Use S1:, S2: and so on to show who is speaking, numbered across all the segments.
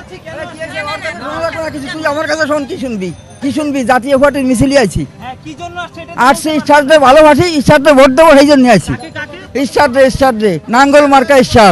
S1: তুই আমার কাছে শোন, কি শুনবি জাতীয় পার্টির মিছিলে আছি। আসছি ঈশ্বরদের ভালোবাসি, ঈশ্বরদের ভোট দেবো, সেই জন্য আছি। ঈশ্বরদের নাঙ্গল মার্কা ঈশ্বর।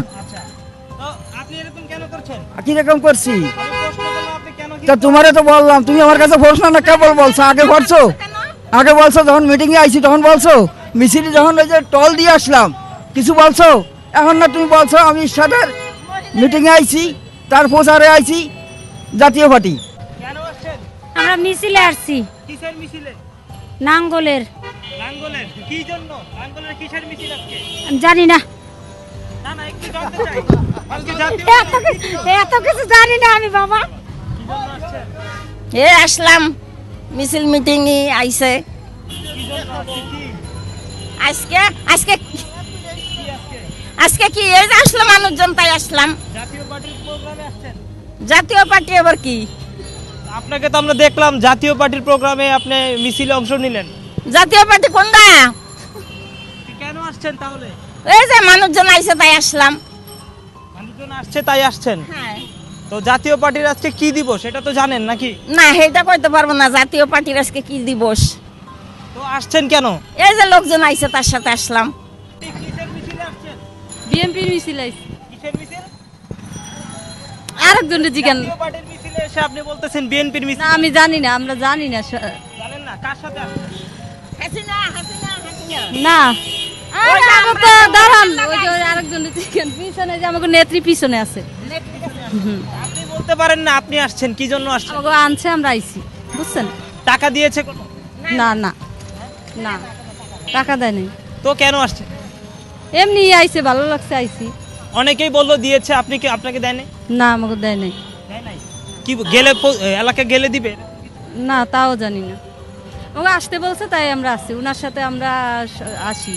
S1: কিরকম করছি তা তোমারে তো বললাম, তুমি আমার কাছে প্রশ্ন না কেবল বলছো। আগে বলছো যখন মিটিং এ আইছি তখন বলছো, মিছিলে যখন ওই যে টল দিয়ে আসলাম কিছু বলছো। এখন না তুমি বলছো আমি ঈশ্বরের মিটিং এ আইছি, তার প্রচারে আইছি জাতীয় পার্টি।
S2: আমরা মিছিলে আসছি।
S3: কিসের মিছিলে?
S2: নাঙ্গলের।
S3: নাঙ্গলের কি জন্য? নাঙ্গলের কিসের মিছিল আজকে?
S2: আমি জানি না,
S3: না না একটু জানতে চাই। আজকে জাতীয়
S2: এত কিছু জানি না আমি বাবা।
S3: কি জন্য আসছেন?
S4: আসলাম মিছিল মিটিং আইছে
S3: কি জন্য আসছে? কি
S4: আজকে আজকে
S3: কি আজকে?
S4: আজকে কি এই যে আসলাম মানুষজন তাই আসলাম।
S3: জাতীয় পার্টির প্রোগ্রামে আসছেন?
S4: জাতীয় পার্টি আবার কি?
S3: আপনাকে তো আমরা দেখলাম জাতীয় পার্টির প্রোগ্রামে আপনি মিছিলে অংশ নিলেন।
S4: জাতীয় পার্টি কোনটা?
S3: কেন আসছেন তাহলে?
S4: এই যে মানুষজন আইছে তাই আসলাম।
S3: মানুষজন আসছে তাই আসছেন।
S4: হ্যাঁ।
S3: তো জাতীয় পার্টির আজকে কি দিবস সেটা তো জানেন নাকি?
S4: না সেটা কইতে পারবো না জাতীয় পার্টির আজকে কি দিবস।
S3: তো আসছেন কেন?
S4: এই যে লোকজন আইছে তার সাথে আসলাম।
S3: কিসের মিছিলে আসছেন?
S2: বিএনপির মিছিল আইছি।
S3: কিসের মিছিল?
S2: আরেকজনের জিজ্ঞান।
S3: জাতীয় পার্টির মিছিলে এসে আপনি বলতেছেন বিএনপির মিছিল।
S2: না আমি জানি না, আমরা জানি না।
S3: জানেন না কার সাথে আসছেন?
S4: হাসিনা হাসিনা হাসিনা
S2: না আমাকে দাঁড়ান, ওই যে আরেকজনের জিজ্ঞান পিছনে, যে আমাকে নেত্রী পিছনে আছে।
S3: আপনি বলতে পারেন না আপনি আসছেন কি জন্য আসছেন?
S2: আমাকে আনছে, আমরা আইছি, বুঝছেন?
S3: টাকা দিয়েছে কত?
S2: না না না, টাকা দেয় নাই,
S3: তো কেন আসছেন?
S2: এমনি আইছে, ভালো লাগছে আইছি।
S3: অনেকেই বললো দিয়েছে, আপনি কি আপনাকে দেয় নাই?
S2: না আমাকে দেয় নাই।
S3: দেয় নাই? কি গেলে এলাকা গেলে দিবে?
S2: না তাও জানি না, ওকে আসতে বলছে তাই আমরা আসছি, ওনার সাথে আমরা আসি।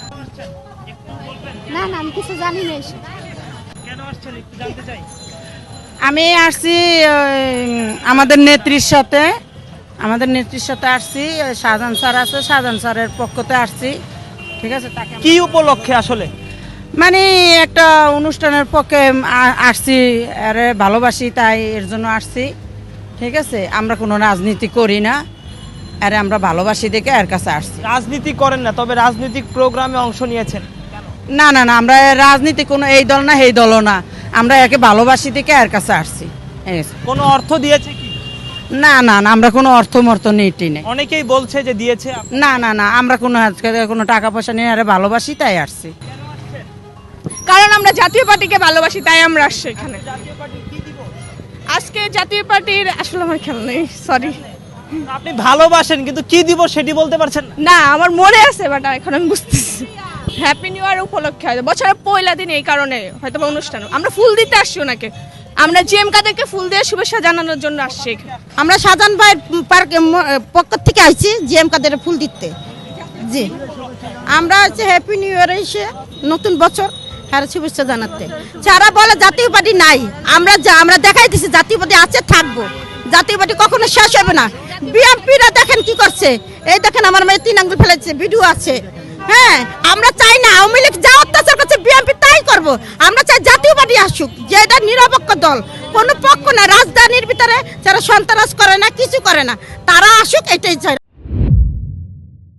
S5: না না আমি কিছু জানি না।
S3: কেন আসছেন একটু জানতে চাই।
S6: আমি আসছি আমাদের নেত্রীর সাথে আসছি। শাহজাহান স্যার আছে, শাহজাহান স্যারের পক্ষতে আসছি, ঠিক আছে। তাকে
S3: কি উপলক্ষে আসলে?
S6: মানে একটা অনুষ্ঠানের পক্ষে আসছি, আরে ভালোবাসি তাই এর জন্য আসছি, ঠিক আছে। আমরা কোনো রাজনীতি করি না, আরে আমরা ভালোবাসি দেখে এর কাছে আসছি।
S3: রাজনীতি করেন না, তবে রাজনৈতিক প্রোগ্রামে অংশ নিয়েছেন।
S6: না না না, আমরা রাজনীতি কোনো এই দল না এই দলও না, আমরা একে ভালোবাসি দেখে এর কাছে আসছি।
S3: কোনো অর্থ দিয়েছে কি?
S6: না না না, আমরা কোনো অর্থ নীতি নেই।
S3: অনেকেই বলছে যে দিয়েছে।
S6: না না না, আমরা কোনো টাকা পয়সা নিয়ে আরে ভালোবাসি তাই আসছি।
S5: কারণ আমরা জাতীয় পার্টিকে ভালোবাসি তাই আমরা আসছি এখানে। আজকে জাতীয় পার্টির আসলে আমার খেয়াল নেই, সরি।
S3: আপনি ভালোবাসেন কিন্তু কি দিব সেটি বলতে পারছেন না?
S5: না আমার মনে আছে, বাট এখন আমি বুঝতেছি। হ্যাপি নিউ ইয়ার উপলক্ষে হয়তো বছরের পয়লা দিন, এই কারণে হয়তো বা অনুষ্ঠান। আমরা ফুল দিতে আসছি ওনাকে, আমরা জিএম কাদেরকে ফুল দিয়ে শুভেচ্ছা জানানোর জন্য আসছি এখানে।
S4: আমরা শাহজাহান ভাইয়ের পক্ষ থেকে আইছি জিএম কাদের ফুল দিতে। জি আমরা হচ্ছে হ্যাপি নিউ ইয়ার এসে নতুন বছর হ্যাঁ শুভেচ্ছা জানাতে। যারা বলে জাতীয় পার্টি নাই, আমরা দেখাই দিছি জাতীয় পার্টি আছে, থাকবো। জাতীয় পার্টি কখনো শেষ হবে না। বিএনপিরা দেখেন কি করছে, এই দেখেন আমার মেয়ে 3 আঙ্গুল ফেলেছে, ভিডিও আছে। হ্যাঁ আমরা চাই না আওয়ামী লীগ যা অত্যাচার করছে বিএনপি তাই করবো। আমরা চাই জাতীয় পার্টি আসুক, যে এটা নিরপেক্ষ দল, কোনো পক্ষ না, রাজধানীর ভিতরে যারা সন্ত্রাস করে না, কিছু করে না, তারা আসুক, এটাই চাই।